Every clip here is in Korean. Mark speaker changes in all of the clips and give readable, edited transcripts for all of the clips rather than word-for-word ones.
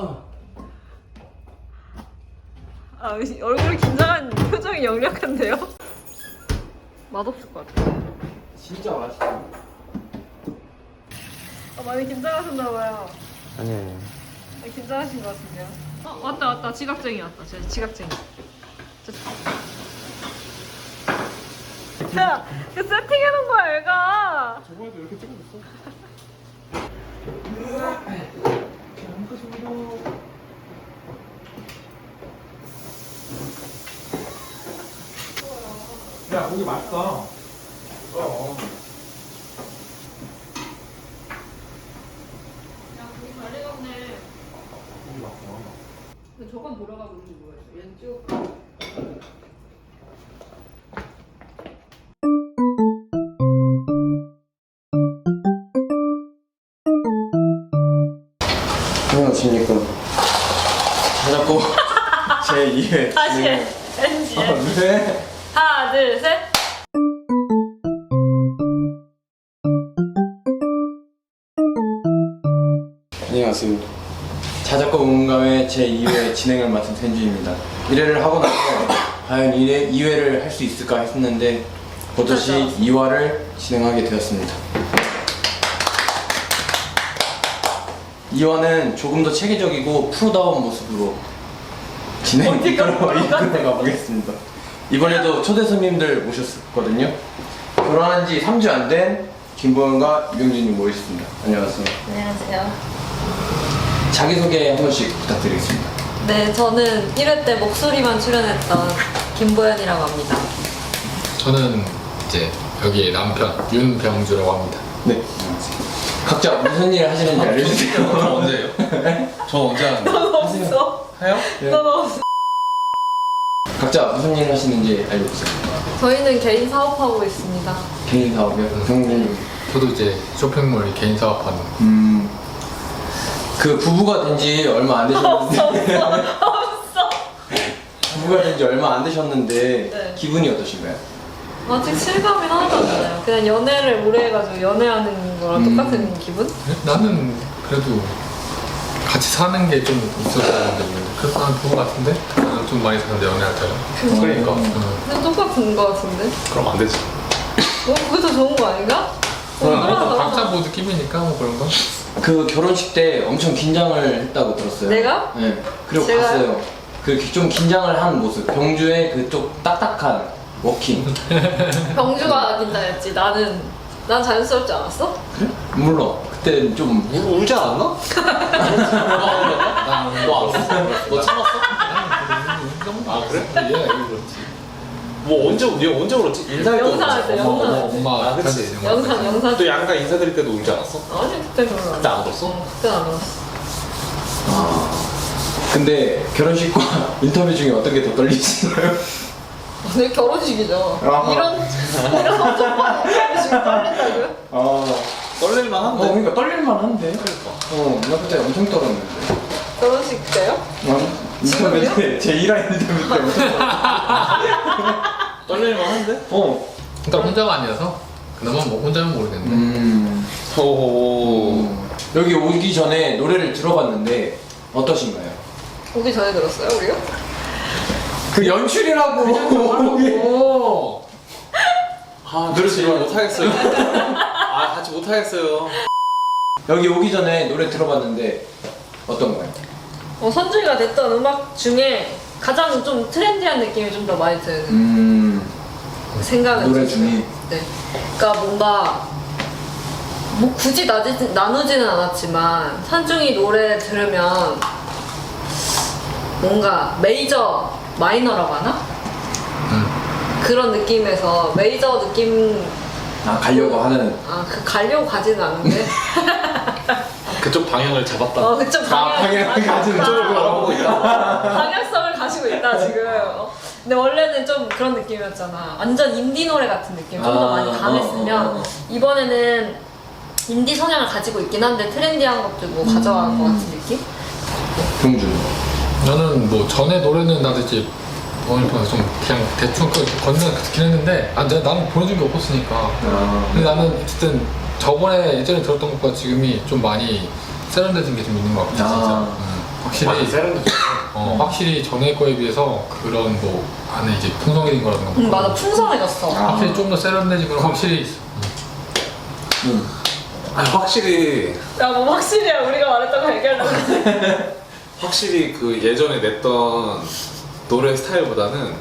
Speaker 1: 아, 얼굴이 긴장한 표정이 역력한데요? 맛없을 것 같아요.
Speaker 2: 진짜 맛있어.
Speaker 1: 많이 긴장하셨나봐요.
Speaker 2: 아니에요.
Speaker 1: 긴장하신 것 같은데요? 왔다. 지각쟁이 왔다. 제 지각쟁이. 야, 그 세팅해놓은 거야, 얘가.
Speaker 2: 저번에도 이렇게 찍어줬어. 야, 고기 맛있다.
Speaker 1: 야, 고기 잘 익었네.
Speaker 2: 고기 맛있다.
Speaker 1: 근데 저건 돌아가고 있는지 모르겠어. 얘는 찍을까?
Speaker 2: 안녕하십니까. 자꾸 제 2회.
Speaker 1: 다시 해. NG.
Speaker 2: 네.
Speaker 1: 하나, 둘, 셋.
Speaker 2: 안녕하세요. 자작곡 응감의 제 2회 진행을 맡은 텐주입니다. 1회를 하고 나서 과연 2회를 할 수 있을까 했는데 버젓이 2화를 진행하게 되었습니다. 2화는 조금 더 체계적이고 프로다운 모습으로 이끌어가 보겠습니다. 이번에도 초대 손님들 모셨거든요. 결혼한 지 3주 안 된 김보현과 유경진님 모셨습니다. 안녕하세요.
Speaker 1: 안녕하세요.
Speaker 2: 자기소개 한 번씩 부탁드리겠습니다.
Speaker 1: 네, 저는 1회 때 목소리만 출연했던 김보현이라고 합니다.
Speaker 3: 저는 이제 여기에 남편 윤병주라고 합니다.
Speaker 2: 네. 각자 무슨 일 하시는지 알려주세요.
Speaker 3: 저 언제예요? 저 언제 하는데?
Speaker 1: 넌 없어.
Speaker 3: 해요?
Speaker 1: 넌 없어.
Speaker 2: 각자 무슨 일 하시는지 알려주세요.
Speaker 1: 저희는 개인 사업하고 있습니다.
Speaker 2: 개인 사업이요? 성우님.
Speaker 3: 저도 이제 쇼핑몰 개인 사업하는.
Speaker 2: 그 부부가 된 지 얼마 안 되셨는데.
Speaker 1: 없어.
Speaker 2: 부부가 된 지 얼마 안 되셨는데
Speaker 1: 네.
Speaker 2: 기분이 어떠신가요?
Speaker 1: 아직 실감이 하나도 안 나요. 그냥 연애를 오래 해가지고 연애하는 거랑 똑같은 기분?
Speaker 3: 나는 그래도 같이 사는 게 좀 있었어야 되는데 그래서 나는 부부 같은데? 나는 좀 많이 사는데 연애할 때는.
Speaker 2: 그러니까.
Speaker 1: 그냥 똑같은 거 같은데?
Speaker 3: 그럼 안 되지.
Speaker 1: 그게 더 좋은 거 아닌가?
Speaker 3: 각자 뭐 느낌이니까 뭐 그런 거.
Speaker 2: 그 결혼식 때 엄청 긴장을 했다고 들었어요.
Speaker 1: 내가?
Speaker 2: 네. 그리고
Speaker 1: 제가요?
Speaker 2: 봤어요. 그 좀 긴장을 한 모습. 병주의 그쪽 딱딱한 워킹.
Speaker 1: 병주가 긴장했지. 난 자연스럽지 않았어?
Speaker 2: 그래? 물론 그때 좀
Speaker 4: 울지 않았나?
Speaker 3: 너 알았어?
Speaker 4: 너 참았어?
Speaker 3: 아 그래? 얘가 이거 그렇지.
Speaker 4: 뭐 언제 울었지? 인사할 때
Speaker 1: 영상 할 때,
Speaker 4: 울었어.
Speaker 1: 영상.
Speaker 3: 엄마
Speaker 4: 아, 그치.
Speaker 1: 영상.
Speaker 4: 또 양가 인사드릴 때도 울지 않았어?
Speaker 1: 아니, 그때 별로
Speaker 4: 그때 안 울었어?
Speaker 1: 그때 안 울었어.
Speaker 2: 근데 결혼식과 인터뷰 중에 어떤 게 더 떨리시나요?
Speaker 1: 내 결혼식이죠.
Speaker 2: 아하.
Speaker 1: 이런 엄청난 결혼식 떨린다고요?
Speaker 4: 떨릴만 한데?
Speaker 2: 그러니까 떨릴만 한데. 그러니까. 나 그때 엄청 떨었는데.
Speaker 1: 결혼식 때요?
Speaker 2: 인터뷰
Speaker 1: 지금요?
Speaker 2: 때, 제 1화 인터뷰 때 엄청
Speaker 4: 떨릴만 한데?
Speaker 3: 일단 혼자가 아니어서 그나마 뭐 혼자면 모르겠는데.
Speaker 4: 오.
Speaker 2: 여기 오기 전에 노래를 들어봤는데 어떠신가요?
Speaker 1: 오기 전에 들었어요, 우리가?
Speaker 2: 그 연출이라고.
Speaker 1: 오.
Speaker 4: 아, 노래 지금 못하겠어요. 아, 같이 못하겠어요.
Speaker 2: 여기 오기 전에 노래 들어봤는데 어떤가요?
Speaker 1: 선주가 됐던 음악 중에 가장 좀 트렌디한 느낌이 좀 더 많이 드는 생각은
Speaker 2: 노래
Speaker 1: 들어요.
Speaker 2: 중에?
Speaker 1: 네. 그러니까 뭔가 뭐 굳이 나누지는 않았지만 산중이 노래 들으면 뭔가 메이저 마이너라고 하나? 그런 느낌에서 메이저 느낌
Speaker 2: 가려고 하는.
Speaker 1: 그 가려고 가지는 않는데
Speaker 4: 그쪽 방향을 잡았다.
Speaker 1: 그쪽
Speaker 2: 방향을 가지는
Speaker 4: 쪽으로 알아보고 있다.
Speaker 1: 방향성을 가지고 있다 지금. 근데 원래는 좀 그런 느낌이었잖아. 완전 인디 노래 같은 느낌. 좀 더 많이 강했으면 이번에는 인디 성향을 가지고 있긴 한데 트렌디한 것도 뭐 가져간 것 같은 느낌?
Speaker 2: 병준.
Speaker 3: 나는 뭐 전에 노래는 나도 이제 어머니가 좀 그냥 대충 건너는 듣긴 했는데 나는 보내준 게 없었으니까. 근데 나는 어쨌든 저번에 예전에 들었던 것과 지금이 좀 많이 세련돼진 게 좀 있는 것 같아 진짜. 확실히
Speaker 4: 세련돼.
Speaker 3: 확실히 전에 거에 비해서 그런 뭐 안에 이제 풍성해진 거라든가 뭐
Speaker 1: 맞아, 풍성해졌어.
Speaker 3: 확실히 좀 더 세련돼진 건 확실히 있어.
Speaker 4: 아니 확실히
Speaker 1: 야, 뭐 확실히야. 우리가 말했던 거 얘기하려고 했지.
Speaker 4: 확실히 그 예전에 냈던 노래 스타일보다는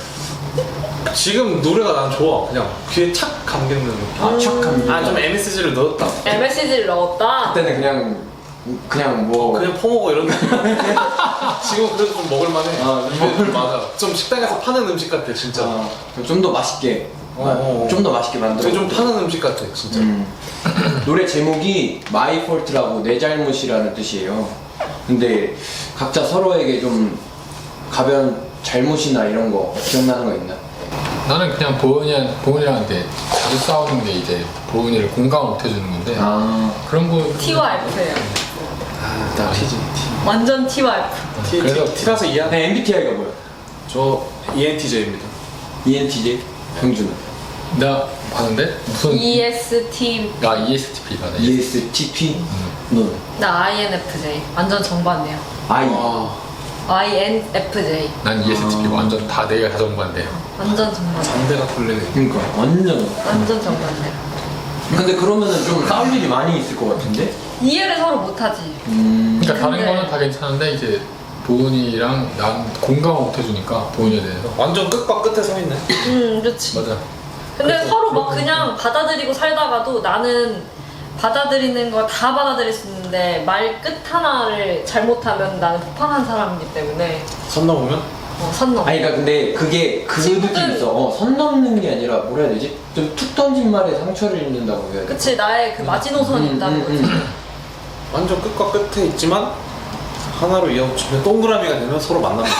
Speaker 4: 지금 노래가 난 좋아. 그냥 귀에 착 감기는 느낌.
Speaker 2: 착합니다.
Speaker 4: 좀 MSG를 넣었다.
Speaker 1: MSG를 넣었다.
Speaker 2: 그때는 그냥 뭐
Speaker 4: 그냥 퍼먹어 이런 느낌. 지금 그래도 좀 먹을만해. 입에 좀 맞아. 좀 식당에서 파는 음식 같아 진짜.
Speaker 2: 좀 더 맛있게 좀 더 맛있게 만들어.
Speaker 4: 되게 좀 파는 음식 같아 진짜.
Speaker 2: 노래 제목이 My Fault라고 내 잘못이라는 뜻이에요. 근데 각자 서로에게 좀 가벼운 잘못이나 이런 거 기억나는 거 있나?
Speaker 3: 나는 그냥 보은이랑 이제 자주 싸우는 게 이제 보은이를 공감을 못 해주는 건데 그런 거
Speaker 1: T와 F예요.
Speaker 4: 나 T지.
Speaker 1: 완전 T와 F.
Speaker 3: 그래서
Speaker 4: T라서 이해하네.
Speaker 2: 네, MBTI가 뭐야?
Speaker 4: 저 ENTJ입니다.
Speaker 2: ENTJ? 경준은?
Speaker 3: 내가 봤는데 무슨
Speaker 1: EST.
Speaker 3: ESTP가 네.
Speaker 2: ESTP? 넌?
Speaker 1: 나 INFJ. 완전 정반대요.
Speaker 2: I?
Speaker 1: INFJ.
Speaker 3: 난 ESTP 완전 다 내가 다 정반대야.
Speaker 1: 완전 정반대.
Speaker 4: 반대가 풀리네.
Speaker 2: 그러니까 완전.
Speaker 1: 완전 정반대.
Speaker 2: 근데 그러면은 좀 싸울 일이 많이 있을 것 같은데?
Speaker 1: 이해를 서로 못하지.
Speaker 3: 그러니까 다른
Speaker 1: 근데-
Speaker 3: 거는 다 괜찮은데 이제 보은이랑 난 공감을 못 해주니까 보은이에 대해서
Speaker 4: 완전 끝과 끝에 서 있네.
Speaker 1: 그렇지.
Speaker 3: 맞아.
Speaker 1: 근데
Speaker 3: 그래서
Speaker 1: 서로 막 그냥 받아들이고 살다가도 나는 받아들이는 거 다 받아들일 수 있는데 말 끝 하나를 잘못하면 나는 폭발한 사람이기 때문에
Speaker 4: 선 넘으면?
Speaker 1: 선 넘어.
Speaker 2: 아니 그러니까 근데 그게 그
Speaker 1: 친구들-
Speaker 2: 느낌 있어. 선 넘는 게 아니라 뭐라 해야 되지? 좀 툭 던진 말에 상처를 입는다고 해야 돼.
Speaker 1: 그치, 나의 그 마지노선이 있다는 거지.
Speaker 4: 완전 끝과 끝에 있지만 하나로 이어붙이면 동그라미가 되면 서로 만납니다.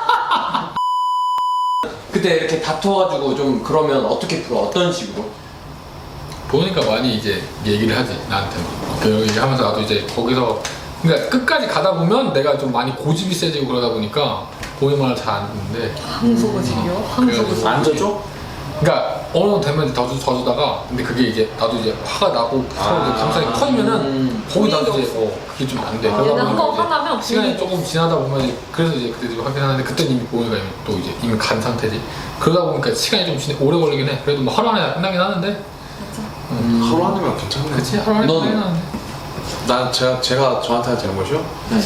Speaker 2: 그때 이렇게 다퉈가지고 좀 그러면 어떻게 풀어? 어떤 식으로?
Speaker 3: 보니까 많이 이제 얘기를 하지 나한테는. 그 얘기하면서 나도 이제 거기서 그러니까 끝까지 가다 보면 내가 좀 많이 고집이 세지고 그러다 보니까 보이 말을 잘 안 듣는데.
Speaker 1: 항소고집이요? 항소고집.
Speaker 4: 안 져줘?
Speaker 3: 그러니까 어느 정도 되면 더 주다가 근데 그게 이제 나도 이제 화가 나고 서로 이제 감상이 커지면은 거기 나도 이제 그게 좀 안 돼. 그러다
Speaker 1: 얘는 한번
Speaker 3: 보니까 이제
Speaker 1: 화나면
Speaker 3: 시간이
Speaker 1: 분위기
Speaker 3: 조금 지나다 보면 이제 그래서 이제 그때 좀 하긴 하는데 그때는 이미 보이가 또 이제 이미 간 상태지. 그러다 보니까 시간이 좀 오래 걸리긴 해. 그래도 뭐 하루 안에 끝나긴 하는데.
Speaker 4: 하루 안이면 괜찮네.
Speaker 3: 그치 하루 안에
Speaker 2: 너는?
Speaker 3: 끝나긴 하는데.
Speaker 4: 난 제가 저한테 한 잘못이요?
Speaker 2: 네.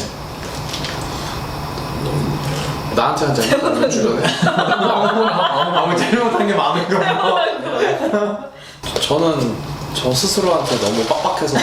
Speaker 4: 나한테 한 잘못 주변에.
Speaker 2: 아무 잘못한 게 많은가?
Speaker 4: 저는 저 스스로한테 너무 빡빡해서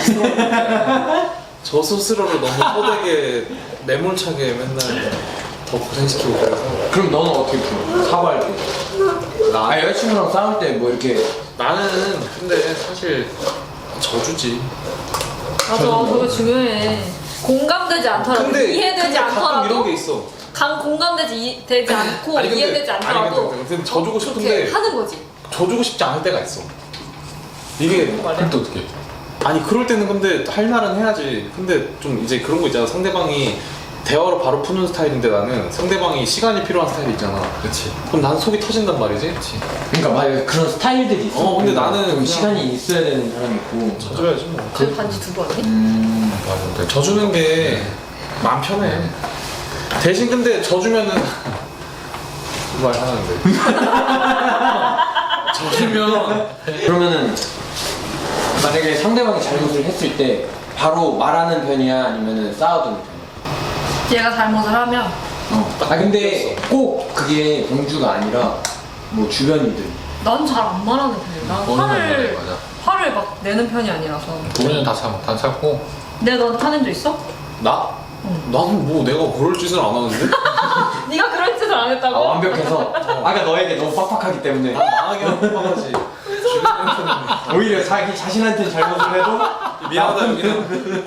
Speaker 4: 저 스스로를 너무 헛되게 매몰차게 맨날 더 고생시키고 그래서
Speaker 2: 그럼 너는 어떻게 풀어? 사과할 때?
Speaker 4: 나,
Speaker 2: 여자친구랑 싸울 때 뭐 이렇게
Speaker 4: 나는 근데 사실 저주지.
Speaker 1: 맞아, 그거 중요해. 공감되지 않더라도, 이해되지
Speaker 4: 가끔 이런
Speaker 1: 않더라도,
Speaker 4: 게 있어.
Speaker 1: 되지 않고, 이해되지 않더라도,
Speaker 4: 근데 져주고
Speaker 1: 그렇게
Speaker 4: 싶은데
Speaker 1: 하는 거지.
Speaker 4: 져주고 싶지 않을 때가 있어. 이게
Speaker 3: 그럼 또 어떻게?
Speaker 4: 아니 그럴 때는 근데 할 말은 해야지. 근데 좀 이제 그런 거 있잖아. 상대방이 대화로 바로 푸는 스타일인데 나는 상대방이 시간이 필요한 스타일이 있잖아.
Speaker 3: 그렇지.
Speaker 4: 그럼 난 속이 터진단 말이지.
Speaker 2: 그러니까 막 그런 스타일들이 있어.
Speaker 4: 근데 나는
Speaker 2: 좀
Speaker 4: 그냥-
Speaker 2: 시간이 있어야 되는 사람이 있고.
Speaker 4: 져줘야지 뭐.
Speaker 1: 그 반지 두고 왔니?
Speaker 3: 맞아.
Speaker 4: 져주는 게 마음 편해. 대신 근데 져주면은 그 말 하는데 져주면
Speaker 2: 그러면은 만약에 상대방이 잘못을 했을 때 바로 말하는 편이야 아니면은 쌓아두는 편이야?
Speaker 1: 얘가 잘못을 하면,
Speaker 2: 근데 꼭 그게 공주가 아니라 뭐 주변인들.
Speaker 1: 난 잘 안 말하는 편이야. 난
Speaker 3: 보은이는 맞아.
Speaker 1: 화를 막 내는 편이 아니라서.
Speaker 3: 보은이는 다 참고.
Speaker 1: 내가 너한테 화낸 적 있어?
Speaker 4: 나? 나는 뭐 내가 그럴 짓을 안 하는데?
Speaker 1: 네가 그런 짓을 안 했다고?
Speaker 2: 완벽해서. 아까 너에게 너무 빡빡하기 때문에
Speaker 4: 망하게 하지. 주변한테는
Speaker 2: 오히려 자기 자신한테 잘못을 해도
Speaker 4: 미안하다 여기는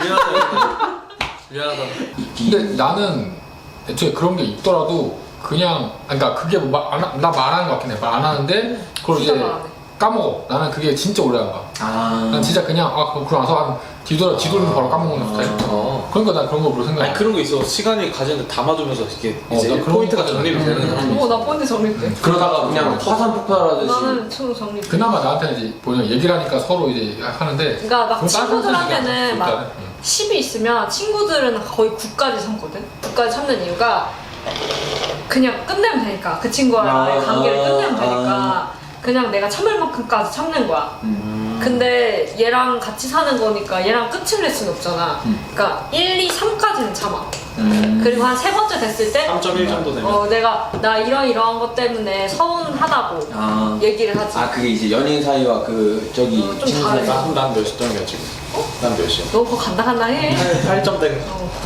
Speaker 4: 미안하다.
Speaker 3: 근데 나는 애초에 그런 게 있더라도 그냥 그러니까 그게 나 말하는 거 같긴 해. 말 안 하는데 그걸
Speaker 1: 진짜
Speaker 3: 이제
Speaker 1: 말 안 해.
Speaker 3: 까먹어. 나는 그게 진짜 오래 안 가. 난
Speaker 2: 아.
Speaker 3: 진짜 그냥 그러고 나서 한 뒤돌면 바로 까먹는 스타일. 그러니까 난 그런 거 별로 생각 안
Speaker 4: 아니
Speaker 3: 해.
Speaker 4: 그런 거 있어. 시간이 가지는데 담아두면서 이렇게 이제
Speaker 3: 나 그런
Speaker 4: 포인트가
Speaker 3: 거까지는
Speaker 4: 정립이 되는 사람이 있어.
Speaker 1: 나 폰이 정립돼.
Speaker 2: 그러다가 그냥 화산 폭발하듯이.
Speaker 1: 나는 총 정립돼.
Speaker 3: 그나마 나한테는 이제 보면 얘기를 하니까 서로 이제 하는데
Speaker 1: 그러니까 막
Speaker 3: 그건 다른
Speaker 1: 친구들한테는
Speaker 3: 사람들이니까
Speaker 1: 막
Speaker 3: 일단은.
Speaker 1: 10이 있으면 친구들은 거의 9까지 참거든. 9까지 참는 이유가 그냥 끝내면 되니까 그 친구와의 관계를 끝내면 되니까 그냥 내가 참을 만큼까지 참는 거야. 근데 얘랑 같이 사는 거니까 얘랑 끝을 낼 수는 없잖아. 그러니까 1, 2, 3까지는 참아. 그리고 한 세 번째 됐을 때
Speaker 4: 3.1 정도 되면
Speaker 1: 내가 나 이러이러한 것 때문에 서운하다고 얘기를 하지.
Speaker 2: 그게 이제 연인 사이와 저기
Speaker 1: 좀
Speaker 2: 친구
Speaker 1: 다르지.
Speaker 2: 사이.
Speaker 4: 난 몇 점이야 지금? 난 몇이야?
Speaker 1: 너 그거 간당간당해.
Speaker 4: 8점 땡.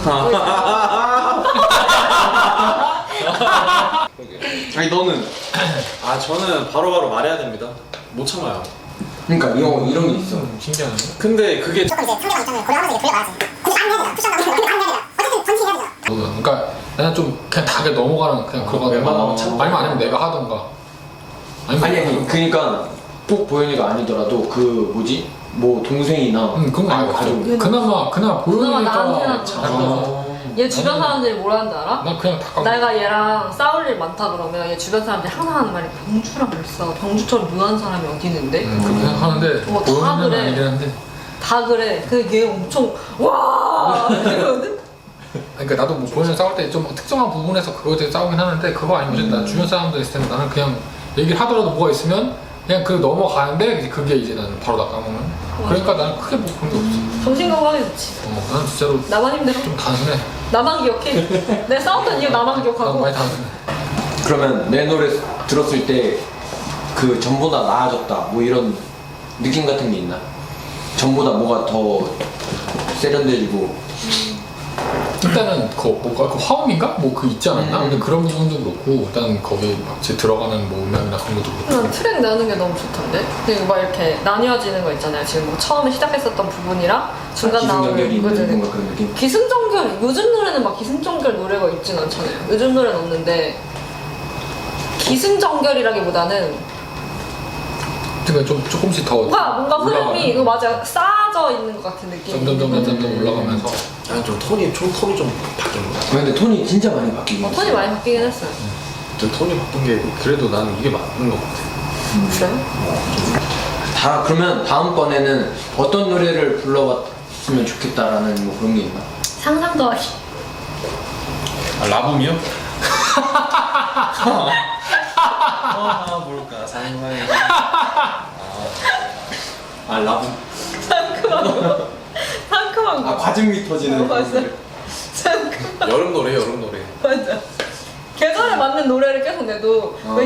Speaker 2: 아니 너는?
Speaker 4: 저는 바로바로 말해야 됩니다. 못 참아요.
Speaker 2: 그러니까 이런 게 있어.
Speaker 3: 신기하네.
Speaker 4: 근데 그게
Speaker 5: 무조건 이제 상대방 입장을 고려하면서 이제 돌려봐야지. 근데 안 해야 되잖아. 푸시한다고 해서 안 해야 되잖아. 어쨌든 전치해야 되잖아.
Speaker 3: 그러니까 나는 좀 그냥 다게 넘어가는 그냥 그거
Speaker 4: 웬만하면 참고.
Speaker 3: 아니면 내가 하던가.
Speaker 2: 아니 그러니까 꼭 보현이가 아니더라도 뭐 동생이나
Speaker 3: 그건
Speaker 2: 아니,
Speaker 3: 알고
Speaker 2: 가족.
Speaker 3: 그나마
Speaker 1: 그나마
Speaker 3: 보이니까
Speaker 1: 나한테는
Speaker 3: 참.
Speaker 1: 얘 주변 사람들이 뭐라 하는지 알아?
Speaker 3: 나 그냥 다
Speaker 1: 내가 얘랑 싸울 일 많다 그러면 얘 주변 사람들이 항상 하는 말이 병주랑 왜 싸워? 병주처럼 무한 사람이 어디 있는데?
Speaker 3: 그렇게 생각하는데
Speaker 1: 다
Speaker 3: 보이는
Speaker 1: 그래.
Speaker 3: 아니긴 한데.
Speaker 1: 다 그래. 근데 얘 엄청 와 이러거든?
Speaker 3: 그러니까 나도 뭐 보이는 싸울 때 좀 특정한 부분에서 그거에 대해 싸우긴 하는데 그거 아니면 나 주변 사람들 있을 때는 나는 그냥 얘기를 하더라도 뭐가 있으면 그냥 넘어가는데 이제 그게 이제 나는 바로 다 까먹는. 그러니까 나는 크게 뭐 그런 게 없어.
Speaker 1: 정신 건강에 좋지.
Speaker 3: 나는 진짜로
Speaker 1: 나만 힘들어?
Speaker 3: 좀 단순해.
Speaker 1: 나만 기억해. 내가 싸웠던 이유 나만
Speaker 3: 난
Speaker 1: 기억하고.
Speaker 3: 많이 단순해.
Speaker 2: 그러면 내 노래 들었을 때 그 전보다 나아졌다 뭐 이런 느낌 같은 게 있나? 전보다 뭐가 더 세련돼지고.
Speaker 3: 일단은 그 화음인가? 뭐 그 있지 않았나? 근데 그런 부분도 그렇고 일단 거기 막 제 들어가는 뭐 음향이나 그런 것도 그렇고.
Speaker 1: 난 트랙 나는 게 너무 좋던데? 그리고 막 이렇게 나뉘어지는 거 있잖아요. 지금 뭐 처음에 시작했었던 부분이랑 중간 나오는
Speaker 2: 기승전결이 있는
Speaker 1: 그거들.
Speaker 2: 뭔가 그런 느낌?
Speaker 1: 기승전결, 요즘 노래는 막 기승전결 노래가 있진 않잖아요. 요즘 노래는 없는데 기승전결이라기보다는
Speaker 3: 그러니까 좀 조금씩 더
Speaker 1: 뭔가 흐름이
Speaker 3: 올라가는.
Speaker 1: 이거 맞아 쌓아져 있는 것 같은 느낌.
Speaker 3: 점점 올라가면서
Speaker 4: 아니 좀 톤이 좀 바뀐 거야.
Speaker 2: 근데 톤이 진짜 많이 바뀌긴 했어.
Speaker 1: 톤이 많이 바뀌긴 했어요.
Speaker 4: 저 톤이 바뀐 게 그래도 나는 이게 맞는 것 같아.
Speaker 1: 그래요?
Speaker 2: 그러면 다음번에는 어떤 노래를 불러봤으면 좋겠다라는 뭐 그런 게 있나?
Speaker 1: 상상 더하기.
Speaker 4: 라붐이요? 뭘까 상상해.
Speaker 2: 라붐.
Speaker 1: 상큼한 거.
Speaker 2: 과즙이 터지는.
Speaker 1: 맞아. 상큼한
Speaker 4: 여름 노래.
Speaker 1: 맞아. 계절에 맞는 노래를 계속 내도 왜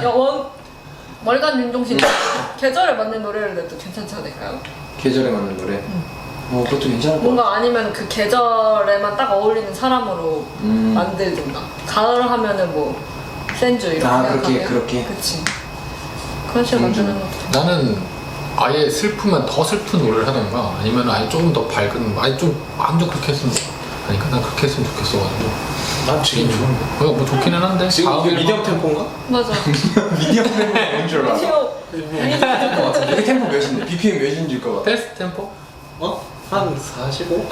Speaker 1: 월간 윤종신 계절에 맞는 노래를 내도 괜찮지 않을까요?
Speaker 2: 계절에 맞는 노래. 그것도 괜찮을 것 같아.
Speaker 1: 뭔가 아니면 그 계절에만 딱 어울리는 사람으로 만들든가. 가을 하면은 뭐 센주 이렇게
Speaker 2: 그렇게.
Speaker 1: 그치. 그런 식으로 만드는 것도.
Speaker 3: 나는 아예 슬프면 더 슬픈 노래를 하던가 아니면 아예 조금 더 밝은 아예 좀 완전 그렇게 했으면 아니까 난 그렇게 했으면 좋겠어가지고
Speaker 4: 난 지금
Speaker 3: 뭐 좋기는 한데
Speaker 4: 지금 이게
Speaker 3: 다음
Speaker 4: 미디엄 템포인가?
Speaker 1: 맞아.
Speaker 2: 미디엄 템포 뭔줄 알아?
Speaker 1: 미디어.
Speaker 2: 이게 템포 몇인데? BPM 몇인지일 것 같아.
Speaker 3: 테스트 템포?
Speaker 4: 한 45?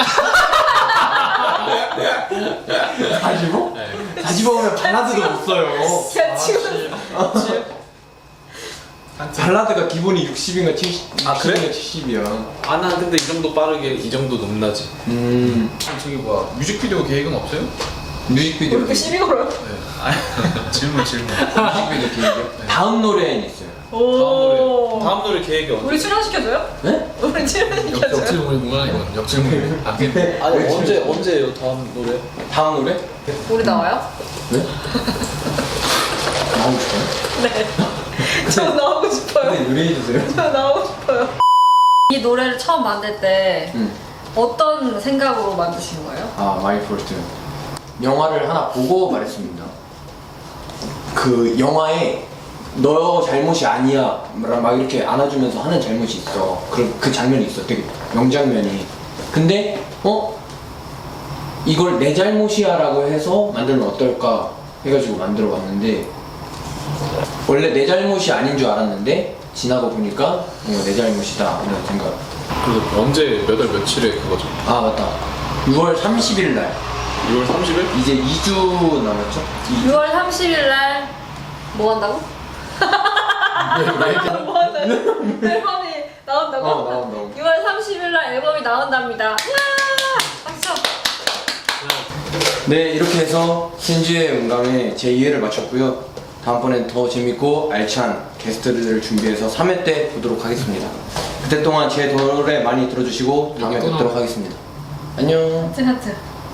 Speaker 2: 45?
Speaker 3: 네.
Speaker 2: 45면 발라드도 못 써요.
Speaker 1: 야 지금
Speaker 2: 발라드가 기본이 60인가 70,
Speaker 4: 그래?
Speaker 2: 70이야.
Speaker 4: 난 근데 이 정도 빠르게 이 정도 높나지.
Speaker 3: 저기 뭐야 뮤직비디오 계획은 없어요?
Speaker 2: 뮤직비디오.
Speaker 1: 이렇게 시비 걸어요?
Speaker 3: 질문
Speaker 2: 뮤직비디오 계획이요? 다음 노래는 있어요.
Speaker 1: 오.
Speaker 4: 다음 노래 계획이 언제?
Speaker 1: 우리 출연시켜줘요?
Speaker 2: 네?
Speaker 1: 우리 출연시켜줘요?
Speaker 3: 역질문이구나 이건 역질문 근데
Speaker 4: 아니 언제예요 다음 노래?
Speaker 2: 다음 노래?
Speaker 1: 우리 나와요?
Speaker 2: 네? 나오고 싶어요?
Speaker 1: 네. 저 나오고 싶어요.
Speaker 2: 네, 노래해주세요.
Speaker 1: 저 나오고 싶어요. 이 노래를 처음 만들 때 어떤 생각으로 만드신 거예요?
Speaker 2: 마이 폴트. 영화를 하나 보고 말했습니다. 그 영화에 너 잘못이 아니야 막 이렇게 안아주면서 하는 잘못이 있어. 그 장면이 있어. 되게 명장면이. 근데 이걸 내 잘못이야 라고 해서 만들면 어떨까 해가지고 만들어 봤는데 원래 내 잘못이 아닌 줄 알았는데 지나고 보니까 내 잘못이다 이런 생각.
Speaker 4: 그 언제 몇 월 며칠에 그거죠?
Speaker 2: 맞다. 6월 30일 날
Speaker 4: 6월 30일?
Speaker 2: 이제 2주 남았죠?
Speaker 1: 6월 30일 날 뭐 한다고? 뭐 한다고? 앨범이 나온다고?
Speaker 2: 나온다고.
Speaker 1: 6월 30일 날 앨범이 나온답니다.
Speaker 2: 네, 이렇게 해서 신지의 음감에 제 2회를 마쳤고요. 다음번엔 더 재밌고 알찬 게스트들을 준비해서 3회 때 보도록 하겠습니다. 그때 동안 제 노래 많이 들어주시고 다음에 뵙도록 하겠습니다. 안녕.
Speaker 1: 하트.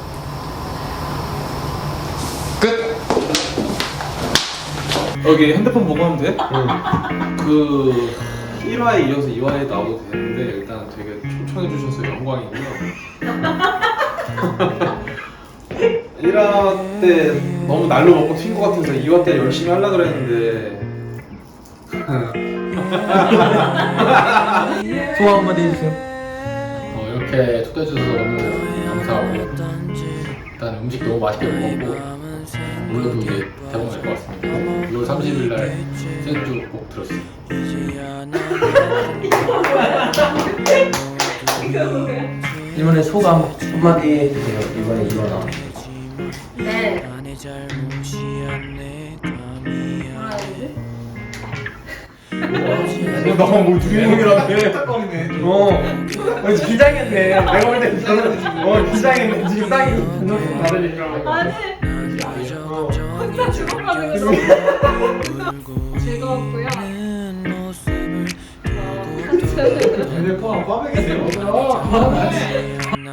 Speaker 2: 끝.
Speaker 4: 여기 핸드폰 보고 하면 돼? 그 1화에 이어서 2화에 나와도 되는데 일단 되게 초청해 주셔서 영광이고요. 1화 때 너무 날로 먹고 튄 것 같아서 2화 때 열심히 하려고 그랬는데
Speaker 2: 소감 한마디 해주세요.
Speaker 3: 이렇게 초대해 주셔서 너무 감사하고 일단 음식 너무 맛있게 먹었고 오늘도 이제 대박 날 것 같습니다. 6월 30일 날 생주 꼭 들었어요.
Speaker 6: 이번에 소감 한마디 해주세요. 이번에 이거나.
Speaker 1: 네.
Speaker 6: 너무 주인공이라며. 긴장했네. 내가 볼 때 저는 긴장했네. 지금 딱 이거 다르니까.
Speaker 1: 아니. 혼자 죽어가는 거 즐거웠고요.
Speaker 6: 근데 꽈배기 되고.